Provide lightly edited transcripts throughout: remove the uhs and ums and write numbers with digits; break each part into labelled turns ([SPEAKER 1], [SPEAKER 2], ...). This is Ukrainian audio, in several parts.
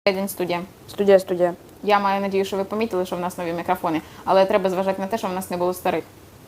[SPEAKER 1] День студія.
[SPEAKER 2] Студія.
[SPEAKER 1] Я маю надію, що ви помітили, що в нас нові мікрофони, але треба зважати на те, що в нас не було старих.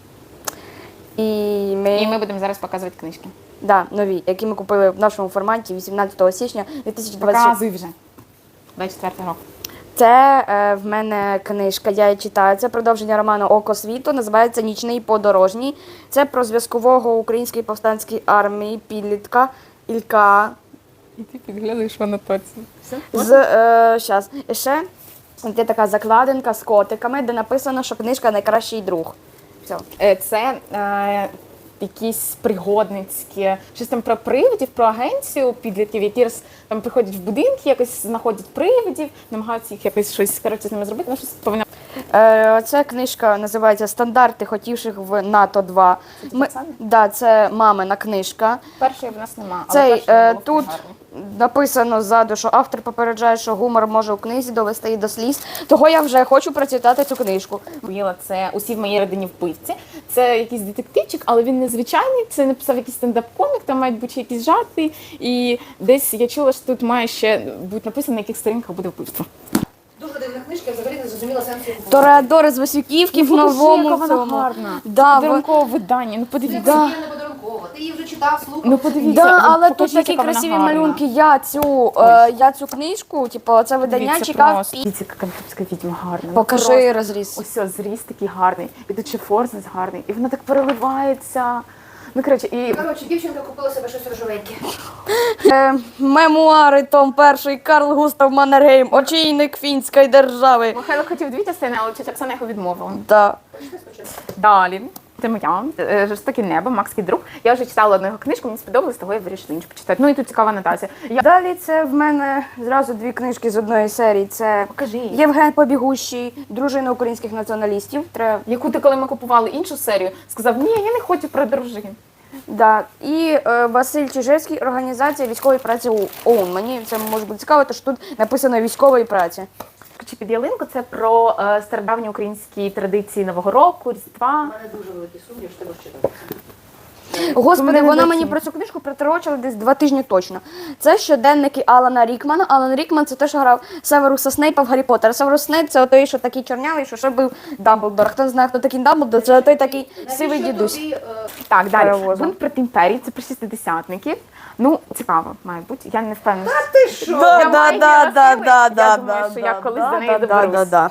[SPEAKER 2] І
[SPEAKER 1] І ми будемо зараз показувати книжки.
[SPEAKER 2] Да, нові, які ми купили в нашому форматі 18 січня 2026.
[SPEAKER 1] Показуй вже. 24 року.
[SPEAKER 2] Це в мене книжка, я її читаю. Це продовження роману «Око світу», називається «Нічний подорожній». Це про зв'язкового української повстанської армії підлітка Ілька.
[SPEAKER 1] І ти підглядаєш в анотацію.
[SPEAKER 2] Щас. І ще є така закладинка з котиками, де написано, що книжка найкращий друг. Все.
[SPEAKER 1] Це якісь пригодницькі, щось там про привидів, про агенцію підлітків, які там приходять в будинки, якось знаходять привидів, намагаються їх якось щось з ними зробити, ну щось повинно.
[SPEAKER 2] Ця книжка називається «Стандарти хотівших в НАТО-2». Да, це мамина книжка.
[SPEAKER 1] Першої в нас нема, але
[SPEAKER 2] Тут написано ззаду, що автор попереджає, що гумор може у книзі довести її до сліз. Того я вже хочу прочитати цю книжку.
[SPEAKER 1] Це «Усі в моїй родині вбивці». Це якийсь детективчик, але він незвичайний. Це написав якийсь стендап-комік, там мають бути якісь жарти. І десь я чула, що тут має ще бути написано, на яких сторінках буде вбивство.
[SPEAKER 3] Дуже дивна книжка, я взагалі не зрозуміла сенсу її.
[SPEAKER 2] Тореадори з Васюківки в новому
[SPEAKER 1] Яка вона
[SPEAKER 2] цьому.
[SPEAKER 1] гарна.
[SPEAKER 2] Да,
[SPEAKER 1] Подарункове видання, ну подивіться.
[SPEAKER 2] Да.
[SPEAKER 3] Це не подарунково. Ти її вже читав, слухав.
[SPEAKER 1] Ну подивіться.
[SPEAKER 2] Да, але тут
[SPEAKER 1] покажіть,
[SPEAKER 2] такі
[SPEAKER 1] яка вона
[SPEAKER 2] красиві
[SPEAKER 1] гарна.
[SPEAKER 2] малюнки. Я цю книжку, типу, це видання
[SPEAKER 1] Дивіться
[SPEAKER 2] чекав.
[SPEAKER 1] просто. Дивіться, яка кантопська відьма гарна. Ну,
[SPEAKER 2] Покажи
[SPEAKER 1] просто.
[SPEAKER 2] розріз.
[SPEAKER 1] Ось зріз такий гарний. І тут ще форзис гарний. І вона так переливається. Ну, коротше, і...
[SPEAKER 3] Коротше, дівчинка купила себе щось рожевеньке.
[SPEAKER 2] Мемуари, том 1, Карл Густав Маннергейм, очільник фінської держави.
[SPEAKER 1] Михайло хотів дві частини, але тетя Оксана його відмовила.
[SPEAKER 2] Да.
[SPEAKER 1] Далі. Це моя. «Жорстоке небо», Макс Кідрук. Я вже читала одну його книжку, мені сподобалось, того я вирішила іншу почитати. Ну і тут цікава анотація.
[SPEAKER 2] Далі це в мене зразу дві книжки з одної серії. Це
[SPEAKER 1] Покажи.
[SPEAKER 2] Євген Побігущий, дружина українських націоналістів.
[SPEAKER 1] Яку ти, коли ми купували іншу серію, сказав, ні, я не хочу про дружин.
[SPEAKER 2] Да. І Василь Чижевський, організація військової праці ОУН. Мені це може бути цікаво, тому що тут написано військової праці.
[SPEAKER 1] Чи під ялинку це про стародавні українські традиції Нового року, Різдва.
[SPEAKER 3] У мене дуже великий сумнів, що ти будеш читати.
[SPEAKER 2] Господи,
[SPEAKER 1] Мене
[SPEAKER 2] вона
[SPEAKER 1] не
[SPEAKER 2] мені про цю книжку приторочила десь 2 тижні точно. Це щоденники Алана Рікмана. Алан Рікман – це той, що грав Северуса Снейпа в Гаррі Поттера. Северус Снейп – це той, що такий чорнявий, що ще був Дамблдор. Хто не знає, хто такий Дамблдор, це той такий сивий дідусь.
[SPEAKER 1] Так, далі.
[SPEAKER 2] Перевозом.
[SPEAKER 1] Бунт проти імперії, це про шістдесятників. Ну, цікаво, має бути. Я не впевнена.
[SPEAKER 3] Ти що?
[SPEAKER 1] Я думаю, що я колись до неї доберусь.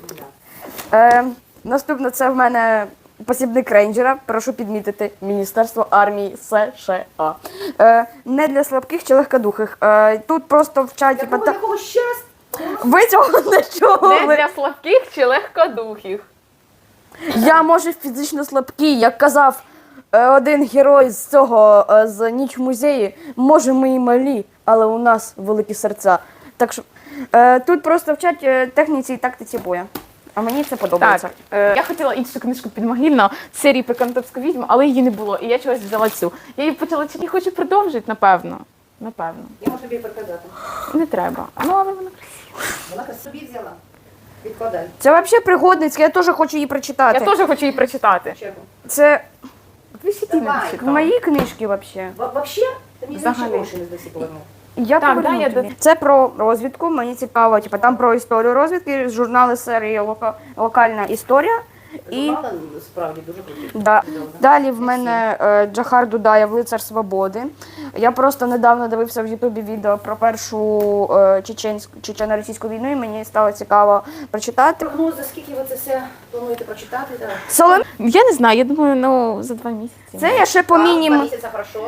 [SPEAKER 2] Наступне це в мене посібник рейнджера. Прошу підмітити Міністерство армії США. Не для слабких чи легкодухих. Тут просто вчать...
[SPEAKER 3] Якого ще раз?
[SPEAKER 2] Ви цього не
[SPEAKER 1] Не
[SPEAKER 2] чули.
[SPEAKER 1] для слабких чи легкодухих.
[SPEAKER 2] Я, може, фізично слабкий, як казав один герой з цього, з «Ніч в музеї». Може, ми і малі, але у нас великі серця. Так що тут просто вчать техніці і тактиці бою. А мені це подобається.
[SPEAKER 1] Так, я хотіла іншу книжку підмогильно з серії про Кантопську відьму, але її не було, і я чогось взяла цю. Я її почала читати, хочу продовжити, напевно. Напевно.
[SPEAKER 3] Я можу тобі переказати.
[SPEAKER 1] Не треба. Ну, але вона красива.
[SPEAKER 3] Вона собі взяла. Відкладай.
[SPEAKER 2] Це взагалі пригодницька, я теж хочу її прочитати.
[SPEAKER 1] Я теж хочу її прочитати.
[SPEAKER 3] Чергу.
[SPEAKER 2] Це
[SPEAKER 1] Ви ще ті не
[SPEAKER 3] Давай.
[SPEAKER 1] дочитали.
[SPEAKER 2] мої книжки взагалі.
[SPEAKER 3] Вообще? Ти мені
[SPEAKER 1] Взагалі.
[SPEAKER 3] взагалі гроші не здасі повернув.
[SPEAKER 2] Я
[SPEAKER 1] Так,
[SPEAKER 2] поверну
[SPEAKER 1] да, я
[SPEAKER 2] тобі. Це про розвідку, мені цікаво, типу, там про історію розвідки, журнали серії «Локальна історія». І
[SPEAKER 3] Журнали справді дуже круті.
[SPEAKER 2] да. Далі в мене Джахар Дудаєв «Лицар свободи». Я просто недавно дивився в Ютубі відео про першу чечено-російську війну, і мені стало цікаво прочитати.
[SPEAKER 3] Прогнози, скільки ви це все плануєте прочитати? Так.
[SPEAKER 2] Солом...
[SPEAKER 1] Я не знаю, я думаю, ну, за 2 місяці.
[SPEAKER 2] Це я ще по
[SPEAKER 3] 2
[SPEAKER 2] мінімуму.
[SPEAKER 3] місяця хорошо.